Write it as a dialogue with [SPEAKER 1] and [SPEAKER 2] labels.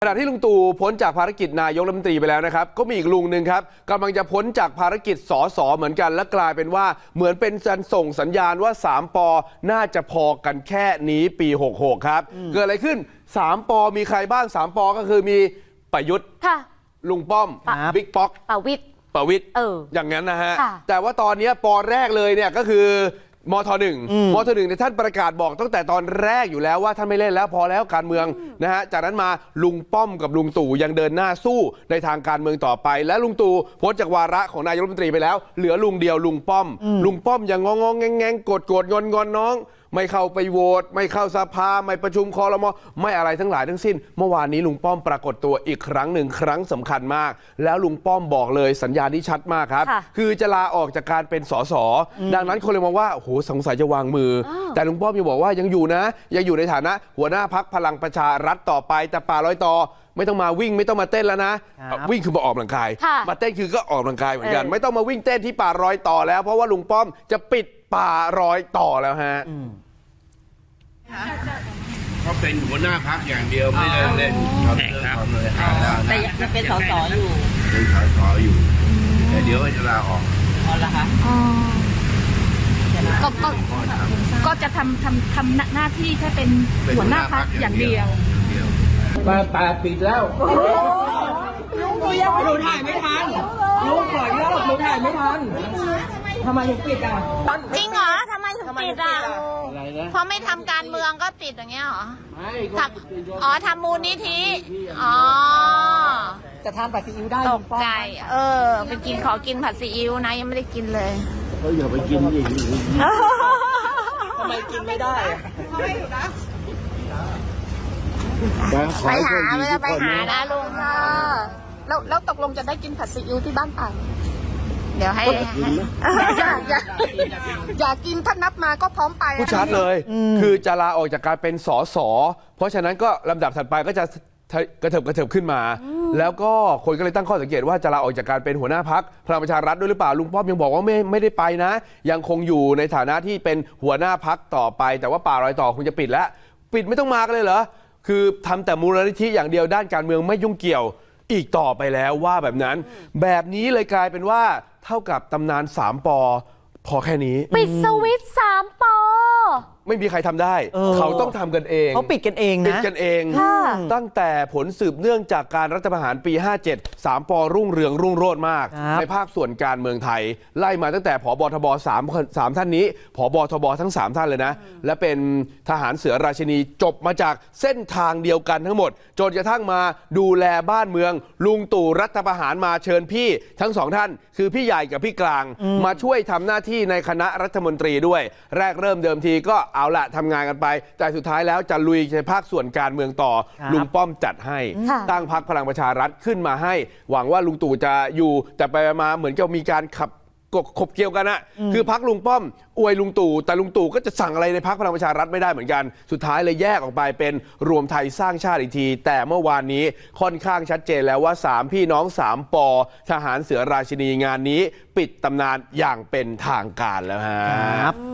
[SPEAKER 1] ขณะที่ลุงตู่พ้นจากภารกิจนายกรัฐมนตรีไปแล้วนะครับก็มีอีกลุงหนึ่งครับกำลังจะพ้นจากภารกิจสสเหมือนกันและกลายเป็นว่าเหมือนเป็นการส่งสัญญาณว่า3 ปน่าจะพอกันแค่นี้ปี66ครับเกิดอะไรขึ้น3 ปมีใครบ้าง3 ปก็คือมีประยุทธ์ลุงป้อมบิ๊กป๊อกประวิตรอย่างนั้นนะฮะแต่ว่าตอนนี้ปแรกเลยเนี่ยก็คือมท.1เนี่ยท่านประกาศบอกตั้งแต่ตอนแรกอยู่แล้วว่าท่านไม่เล่นแล้วพอแล้วการเมืองนะฮะจากนั้นมาลุงป้อมกับลุงตู่ยังเดินหน้าสู้ในทางการเมืองต่อไปและลุงตู่พ้นจากวาระของนายกรัฐมนตรีไปแล้วเหลือลุงเดียวลุงป้อมยังงงแงงกดงอนน้องไม่เข้าไปโหวตไม่เข้าสภาไม่ประชุมครม.ไม่อะไรทั้งหลายทั้งสิ้นเมื่อวานนี้ลุงป้อมปรากฏตัวอีกครั้งหนึ่งครั้งสำคัญมากแล้วลุงป้อมบอกเลยสัญญาณที่ชัดมากครับคือจะลาออกจากการเป็นสสดังนั้นคนเลยมองว่าโอ้โหสงสัยจะวางมือแต่ลุงป้อมยังบอกว่ายังอยู่นะยังอยู่ในฐานะหัวหน้าพรรคพลังประชารัฐต่อไปแต่ป่าลอยต่อไม่ต้องมาวิ่งไม่ต้องมาเต้นแล้วนะวิ่งคือมาออกกำลังกายมาเต้นคือก็ออกกำลังกายเหมือนกันไม่ต้องมาวิ่งเต้นที่ป่ารอยต่อแล้วเพราะว่าลุงป้อมจะปิดป่ารอยต่อแล้วฮะ
[SPEAKER 2] เขาเป็นหัวหน้าพรรคอย่างเดียวไม่ได้เล่นครับ
[SPEAKER 3] แต่ยังเป็นสสอยู่
[SPEAKER 2] เป็นสสอยู่แต่เดี๋ยวจะลาออก
[SPEAKER 3] อ๋อเหรอคะ
[SPEAKER 4] ก็จะทำหน้าที่แค่เป็นหัวหน้าพรรคอย่างเดียว
[SPEAKER 2] มาป่าปิดแล้ว
[SPEAKER 3] หนูถ่ายไม่ทันลุงขอเยอะหนูถ่ายไม่ทันทำไมถึงปิดอ่ะ
[SPEAKER 4] จริงเหรอทำไมถึงปิดอ่ะเพราะไม่ทำการเมืองก็ปิดอย่างเงี้ยเหรอทำมูลนิธิ
[SPEAKER 3] จะทานผัดซีอิ๊วได้
[SPEAKER 4] ตกใจไปกินขอกินผัดซีอิ๊วนะยังไม่ได้กินเลย
[SPEAKER 2] เขาอย่าไปกินอย่างนี้
[SPEAKER 3] ทำไมกินไม่ได้
[SPEAKER 4] ไปหานะลุงค่ะแล้วตกลงจะได้กินผัดซีอิ๊วที่บ้านป่าเดี๋ยวให้อยากกินถ้านับมาก็พร้อมไป
[SPEAKER 1] ผู้ชัดเลยคือจะลาออกจากการเป็นสสเพราะฉะนั้นก็ลำดับถัดไปก็จะกระเถิบขึ้นมาแล้วก็คนก็เลยตั้งข้อสังเกตว่าจะลาออกจากการเป็นหัวหน้าพรรคพลังประชารัฐด้วยหรือเปล่าลุงป้อมยังบอกว่าไม่ได้ไปนะยังคงอยู่ในฐานะที่เป็นหัวหน้าพรรคต่อไปแต่ว่าป่ารอยต่อคงจะปิดแล้วปิดไม่ต้องมากันเลยเหรอคือทำแต่มูลนิธิอย่างเดียวด้านการเมืองไม่ยุ่งเกี่ยวอีกต่อไปแล้วว่าแบบนั้นแบบนี้เลยกลายเป็นว่าเท่ากับตำนาน3 ปพอแค่นี้
[SPEAKER 4] ปิดสวิตช์3 ป
[SPEAKER 1] ไม่มีใครทำได้เขาต้องทำกันเอง
[SPEAKER 3] เขาปิดกันเองนะ
[SPEAKER 1] ปิดกันเองตั้งแต่ผลสืบเนื่องจากการรัฐประหารปี57 3 ปรุ่งเรืองรุ่งโรจน์มากในภาคส่วนการเมืองไทยไล่มาตั้งแต่ผบทบ3ท่านนี้ผบทบทั้ง3ท่านเลยนะและเป็นทหารเสือราชินีจบมาจากเส้นทางเดียวกันทั้งหมดจนกระทั่งมาดูแลบ้านเมืองลุงตู่รัฐประหารมาเชิญพี่ทั้ง2ท่านคือพี่ใหญ่กับพี่กลางมาช่วยทำหน้าที่ในคณะรัฐมนตรีด้วยแรกเริ่มเดิมทีก็เอาละทำงานกันไปแต่สุดท้ายแล้วจะลุยในภาคส่วนการเมืองต่อลุงป้อมจัดให้ตั้งพรรคพลังประชารัฐขึ้นมาให้หวังว่าลุงตู่จะอยู่แต่ไปมาเหมือนกับมีการขบเกี่ยวกันอะคือพรรคลุงป้อมอวยลุงตู่แต่ลุงตู่ก็จะสั่งอะไรในพรรคพลังประชารัฐไม่ได้เหมือนกันสุดท้ายเลยแยกออกไปเป็นรวมไทยสร้างชาติอีกทีแต่เมื่อวานนี้ค่อนข้างชัดเจนแล้วว่า3 พี่น้อง3 ปทหารเสือราชินีงานนี้ปิดตำนานอย่างเป็นทางการแล้วฮะ